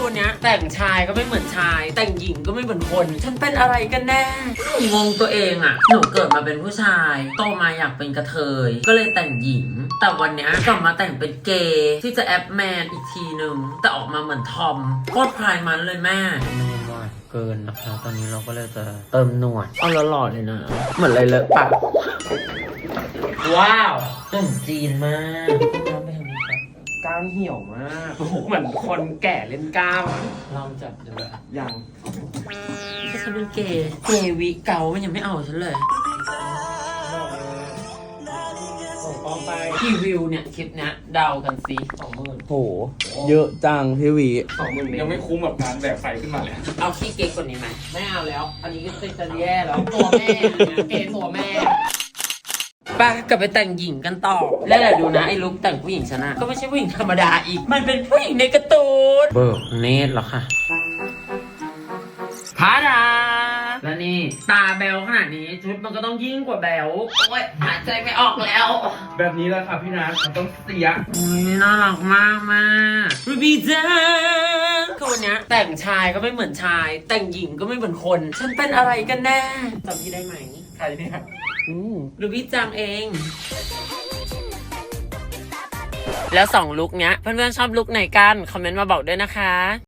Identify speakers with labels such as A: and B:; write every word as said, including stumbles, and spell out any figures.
A: วันนี้แต่งชายก็ไม่เหมือนชาย แต่งหญิงก็ไม่เหมือนคน ฉันเป็นอะไรกันแน่งงตัวเองอะหนูเกิดมาเป็นผู้ชายโตมาอยากเป็นกระเทยก็เลยแต่งหญิงแต่วันนี้กลับมาแต่งเป็นเกย์ที่จะแอปแมนอีกทีนึงแต่ออกมาเหมือนทอมโคตรพรายมันเลยแม่มันยังหวานเกินนะคะตอนนี้เราก็เลยจะเติมหนวดเอาหล่อๆเลยนะเหมือนอะไรเลอะปากว้าวหนุ่มจีนมากน้ำไปทางนี้ครับกล้ามเหี่ยวมากเหมือนคนแก่เล่นกล้ามลองจับดูเลยยังถ้าฉันเป็นเกย์เกย์วิเกามันยังไม่เอาฉันเลยกี่วิวเนี่ยคลิปเนี้ยเดากันสิสองหมื่น
B: โหเยอะจังพี่วี
C: สองหมื่นยังไม่คุ้มกับการแบกไฟขึ้นมาเลย
A: เอาขี้เก๊กกว่านี้ไหมไม่เอาแล้วอันนี้ก็จะแย่แล้วตัวแม่เกย์ตัวแม่ไปกลับไปแต่งหญิงกันต่อแล้วแหละดูนะไอ้ลุคแต่งผู้หญิงชนะก็ไม่ใช่ผู้หญิงธรรมดาอีกมันเป็นผู้หญิงในการ์ตูนเบิกเนตรหรอค่ะพาดาและนี่ตาแบลขนาดนี้ชุดมันก็ต้องยิ่งกว่าแบลโอ้ยหายใจไม่ออกแล้ว
C: แบบนี้แหละค่ะพี่นัทมันต้องเสีย
A: อุ้ยน่ารักมากมากรูบี้จังคือวันนี้แต่งชายก็ไม่เหมือนชายแต่งหญิงก็ไม่เหมือนคนฉันเป็นอะไรกันแน่จำพี่ได้ไหม
C: ใครเนี่ย
A: อืมรูบี้จังเองแล้วสองลุคเนี้ยเพื่อนๆชอบลุคไหนกันคอมเมนต์มาบอกด้วยนะคะ